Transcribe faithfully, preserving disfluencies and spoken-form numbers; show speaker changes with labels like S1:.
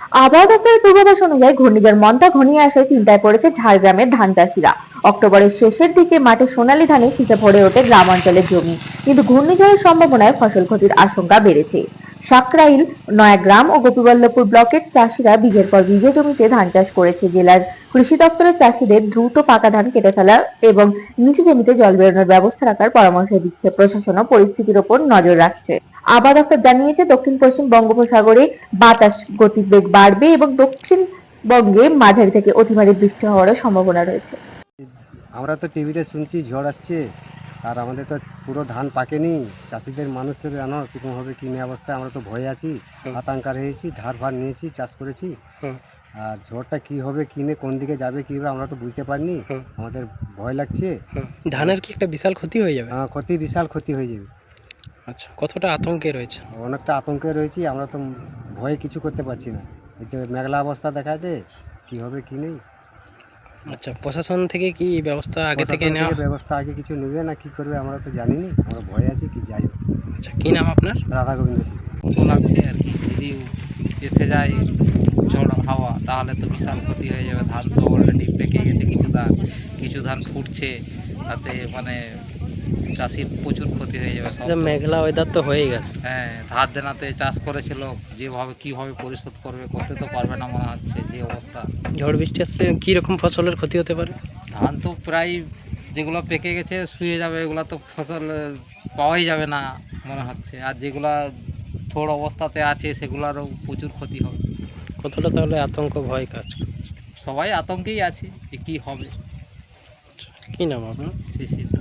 S1: আবহাওয়া দপ্তরের পূর্বাভাস অনুযায়ী ঘূর্ণিঝড় মন্তা ঘনিয়ে আসায় চিন্তায় পড়েছে ঝাড়গ্রামের ধান চাষিরা। অক্টোবরের শেষের দিকে মাঠে সোনালী ধানে শীষে ভরে ওঠে গ্রাম অঞ্চলের জমি, কিন্তু ঘূর্ণিঝড়ের সম্ভাবনায় ফসল ক্ষতির আশঙ্কা বেড়েছে। সাকরাইল, নয়াগ্রাম ও গোপীবল্লভপুর ব্লকের চাষিরা বিঘের পর বিঘে জমিতে ধান চাষ করেছে। জেলার কৃষি দপ্তরের চাষিদের দ্রুত পাকা ধান কেটে ফেলা এবং নিচু জমিতে জল বেরোনোর ব্যবস্থা রাখার পরামর্শ দিচ্ছে। প্রশাসনও পরিস্থিতির ওপর নজর রাখছে। আবহাওয়া দপ্তর জানিয়েছে, দক্ষিণ পশ্চিম বঙ্গোপসাগরে বাতাস গতিবেগ বাড়বে এবং দক্ষিণবঙ্গে মাঝারি থেকে অতি ভারী বৃষ্টি হওয়ারও সম্ভাবনা রয়েছে।
S2: আমরা তো টিভিতে শুনছি ঝড় আসছে, আর আমাদের তো পুরো ধান পাকেনি। চাষিদের মানুষদের জানো কীরকম হবে কী নিয়ে অবস্থায়, আমরা তো ভয়ে আছি, আতঙ্কার হয়েছি, ধার ভার নিয়েছি, চাষ করেছি। আর ঝড়টা কী হবে কী নিয়ে কোন দিকে যাবে কী হবে আমরা তো বুঝতে পারিনি, আমাদের ভয় লাগছে।
S3: ধানের কি একটা বিশাল ক্ষতি হয়ে যাবে?
S2: হ্যাঁ, ক্ষতি বিশাল ক্ষতি হয়ে যাবে।
S3: আচ্ছা, কতটা আতঙ্কে রয়েছে?
S2: অনেকটা আতঙ্কে রয়েছি, আমরা তো ভয়ে কিছু করতে পারছি না। এই যে মেঘলা অবস্থা দেখাতে কী হবে কী নেই।
S3: আচ্ছা, প্রশাসন থেকে কি ব্যবস্থা আগে থেকে
S2: প্রশাসন
S3: নেওয়া?
S2: থেকে ব্যবস্থা আগে কিছু নেবে না কী করবে আমরা তো জানিনি, আমরা ভয়ে আছি কি যাই হোক।
S3: আচ্ছা, কি নাম আপনার?
S2: রাধা গোবিন্দ সিং।
S4: তো লাগছে আর কি, যদি এসে যায় ঝড় হাওয়া তাহলে তো বিশাল ক্ষতি হয়ে যাবে। ধান তো অলরেডি পেকে গেছে, কিছু ধান কিছু ধান ফুটছে, তাতে মানে চাষির প্রচুর ক্ষতি হয়ে যাবে সব। তো-
S3: মেঘলা ওয়েদার তো হয়েই গেছে।
S4: হ্যাঁ, ধার দেনাতে চাষ করেছিল, যেভাবে কীভাবে পরিশোধ করবে, করতে তো পারবে না মনে হচ্ছে যে অবস্থা।
S3: ঝড় বৃষ্টি আসলে কি রকম ফসলের ক্ষতি হতে পারে?
S4: ধান তো প্রায় যেগুলো পেকে গেছে শুয়ে যাবে, এগুলো তো ফসল আহ, পাওয়াই যাবে না মনে হচ্ছে। আর যেগুলা থোড় অবস্থাতে আছে সেগুলোরও প্রচুর ক্ষতি হবে।
S3: কতটা তাহলে আতঙ্ক ভয় কাজ করে?
S4: সবাই আতঙ্কেই আছে যে কি হবে।
S3: কি নাম আপনার?
S4: সেই